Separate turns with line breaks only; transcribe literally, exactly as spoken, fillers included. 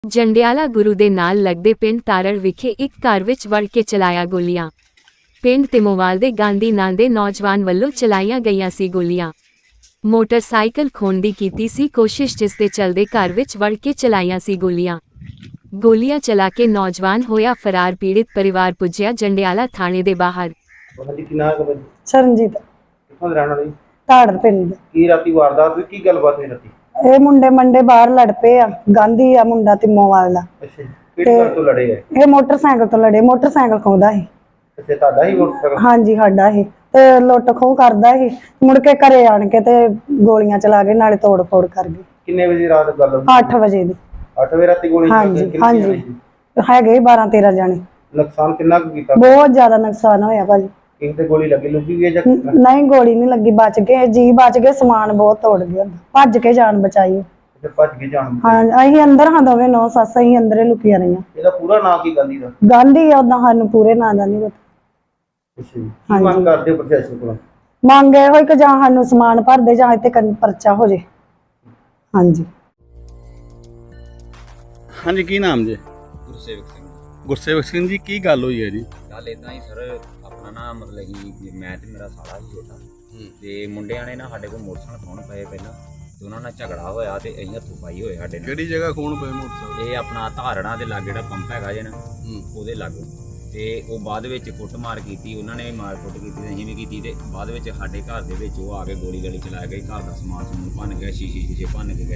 ਜੰਡਿਆਲਾ ਗੁਰੂ ਦੇ ਨਾਲ ਲੱਗਦੇ ਪਿੰਡ ਤਾਰੜ ਵਿਖੇ ਇੱਕ ਘਰ ਵਿੱਚ ਵੜ ਕੇ ਚਲਾਇਆ ਗੋਲੀਆਂ। ਪਿੰਡ ਤਿਮੋਵਾਲ ਦੇ ਗਾਂਧੀ ਨਾਂ ਦੇ ਨੌਜਵਾਨ ਵੱਲੋਂ ਚਲਾਈਆਂ ਗਈਆਂ ਸੀ ਗੋਲੀਆਂ। ਮੋਟਰਸਾਈਕਲ ਖੋਹਣ ਦੀ ਕੀਤੀ ਸੀ ਕੋਸ਼ਿਸ਼, ਜਿਸ ਦੇ ਚੱਲਦੇ ਘਰ ਵਿੱਚ ਵੜ ਕੇ ਚਲਾਈਆਂ ਸੀ ਗੋਲੀਆਂ। ਗੋਲੀਆਂ ਚਲਾ ਕੇ ਨੌਜਵਾਨ ਹੋਇਆ ਫਰਾਰ। ਪੀੜਿਤ ਪਰਿਵਾਰ ਪੁੱਜਿਆ ਜੰਡਿਆਲਾ ਥਾਣੇ ਦੇ ਬਾਹਰ।
ਹਾਂਜੀ ਕੀ ਨਾਮ ਹੈ?
ਸ਼ਰਨਜੀਤ
ਕਿੱਥੋਂ ਦੇ ਰਹਿਣ ਵਾਲੇ?
ਤਾੜਰ ਪਿੰਡ।
ਕੀ ਰਾਤੀ ਵਾਰਦਾਤ ਹੋਈ? ਕੀ ਗੱਲਬਾਤ ਹੋਈ ਰਾਤੀ?
ਇਹ ਮੁੰਡੇ ਮੰਡੇ ਬਾਹਰ ਲੜ ਪਏ ਆ। ਗਾਂਧੀ ਆ ਮੁੰਡਾ ਤਿਮੋਵਾਲ ਦਾ।
ਅੱਛਾ, ਕਿਹੜੇ ਘਰ ਤੋਂ ਲੜੇ ਹੈ?
ਇਹ ਮੋਟਰਸਾਈਕਲ ਤੋਂ ਲੜੇ। ਮੋਟਰਸਾਈਕਲ ਖੋਹਦਾ ਸੀ।
ਅੱਛਾ, ਤੁਹਾਡਾ ਹੀ ਮੋਟਰਸਾਈਕਲ?
ਹਾਂਜੀ ਸਾਡਾ ਸੀ। ਤੇ ਲੁੱਟ ਖੋਹ ਕਰਦਾ ਸੀ। ਮੁੜ ਕੇ ਘਰੇ ਆਣ ਕੇ ਤੇ ਗੋਲੀਆਂ ਚਲਾ ਕੇ ਨਾਲੇ ਤੋੜ ਫੋੜ ਕਰ ਗਏ।
ਕਿੰਨੇ ਵਜੇ ਰਾਤ ਗੱਲ ਹੋਈ?
ਅੱਠ ਵਜੇ ਦੀ।
ਅੱਠ ਵਜੇ ਰਾਤੀ ਗੋਲੀ ਚੱਲੀ?
ਹਾਂਜੀ
ਕਿੰਨੇ
ਹਾਂਜੀ
ਜਾਣੇ ਸੀ?
ਹੈਗੇ ਬਾਰਾਂ ਤੇਰਾਂ ਜਾਣੇ।
ਨੁਕਸਾਨ ਕਿੰਨਾ ਕੁ ਕੀਤਾ?
ਬਹੁਤ ਜ਼ਿਆਦਾ ਨੁਕਸਾਨ ਹੋਇਆ ਭਾਜੀ।
ਕਿਸੇ ਤੇ ਗੋਲੀ ਲੱਗੀ ਲੁੱਗੀ ਵੀ ਹੈ ਜਾਂ
ਨ- ਨਹੀਂ ਗੋਲੀ ਨਹੀਂ ਲੱਗੀ, ਬਚ ਗਏ ਜੀ, ਬਚ ਗਏ। ਸਮਾਨ ਬਹੁਤ ਤੋੜ ਗਿਆ, ਭੱਜ ਕੇ ਜਾਨ ਬਚਾਈ।
ਤੇ ਭੱਜ ਕੇ ਜਾਣ?
ਹਾਂ ਅਸੀਂ ਅੰਦਰ ਹਾਂ, ਦੋਵੇਂ ਨੌ ਸੱਸ ਅਸੀਂ ਅੰਦਰੇ ਲੁਕੀਆਂ ਰਹੀਆਂ।
ਇਹਦਾ ਪੂਰਾ ਨਾਂ ਕੀ ਗਾਂਧੀ ਦਾ?
ਗਾਂਧੀ ਆ ਉਦਾਂ ਸਾਨੂੰ ਪੂਰੇ ਨਾਂ ਦਾ ਨਹੀਂ ਪਤਾ।
ਅੱਛਾ ਜੀ, ਕੀ ਮੰਗ ਕਰਦੇ ਹੋ ਪ੍ਰਸ਼ਾਸਨ ਕੋਲੋਂ?
ਮੰਗ ਇਹੋ ਹੀ ਕਿ ਜਾਂ ਸਾਨੂੰ ਸਮਾਨ ਭਰ ਦੇ ਜਾਂ ਇੱਥੇ ਕੰਨ ਪਰਚਾ ਹੋ ਜੇ। ਹਾਂਜੀ।
ਹਾਂਜੀ ਕੀ ਨਾਮ ਜੀ?
ਗੁਰਸੇਵਕ ਸਿੰਘ।
ਗੁਰਸੇਵਕ ਸਿੰਘ ਜੀ, ਕੀ ਗੱਲ ਹੋਈ ਹੈ ਜੀ?
ਗੱਲ ਇਦਾਂ ਹੀ ਸਰ, ਆਪਣਾ ਨਾ ਮਤਲਬ ਕਿ ਮੈਂ ਤੇ ਮੇਰਾ ਸਾਲਾ ਸੀ ਛੋਟਾ, ਤੇ ਮੁੰਡਿਆਂ ਨੇ ਨਾ ਸਾਡੇ ਕੋਲ ਮੋਟਰਸਾਈਕਲ ਖੋਹਣ ਪਏ ਪਹਿਲਾਂ, ਤੇ ਉਹਨਾਂ ਨਾਲ ਝਗੜਾ ਹੋਇਆ ਤੇ ਅਸੀਂ ਹੱਥੋਂ ਪਾਈ ਹੋਏ ਸਾਡੇ ਨਾਲ।
ਕਿਹੜੀ ਜਗ੍ਹਾ ਖੋਣ ਪਏ ਮੋਟਰਸਾਈਕਲ?
ਇਹ ਆਪਣਾ ਧਾਰਣਾ ਦੇ ਲਾਗੇ ਜਿਹੜਾ ਪੰਪ ਹੈਗਾ ਜੇ ਨਾ, ਉਹਦੇ ਲਾਗੋਂ। ਤੇ ਉਹ ਬਾਅਦ ਵਿੱਚ ਕੁੱਟਮਾਰ ਕੀਤੀ, ਉਹਨਾਂ ਨੇ ਵੀ ਮਾਰ ਕੁੱਟ ਕੀਤੀ ਤੇ ਅਸੀਂ ਵੀ ਕੀਤੀ, ਤੇ ਬਾਅਦ ਵਿੱਚ ਸਾਡੇ ਘਰ ਦੇ ਵਿੱਚ ਉਹ ਆ ਕੇ ਗੋਲੀ ਗਾਲੀ ਚਲਾ ਗਏ। ਘਰ ਦਾ ਸਮਾਨ ਸਮੂਨ ਭੰਨ ਗਿਆ, ਸ਼ੀਸ਼ੇ ਸ਼ੀਸ਼ੇ ਭੰਨ ਕੇ ਗਏ।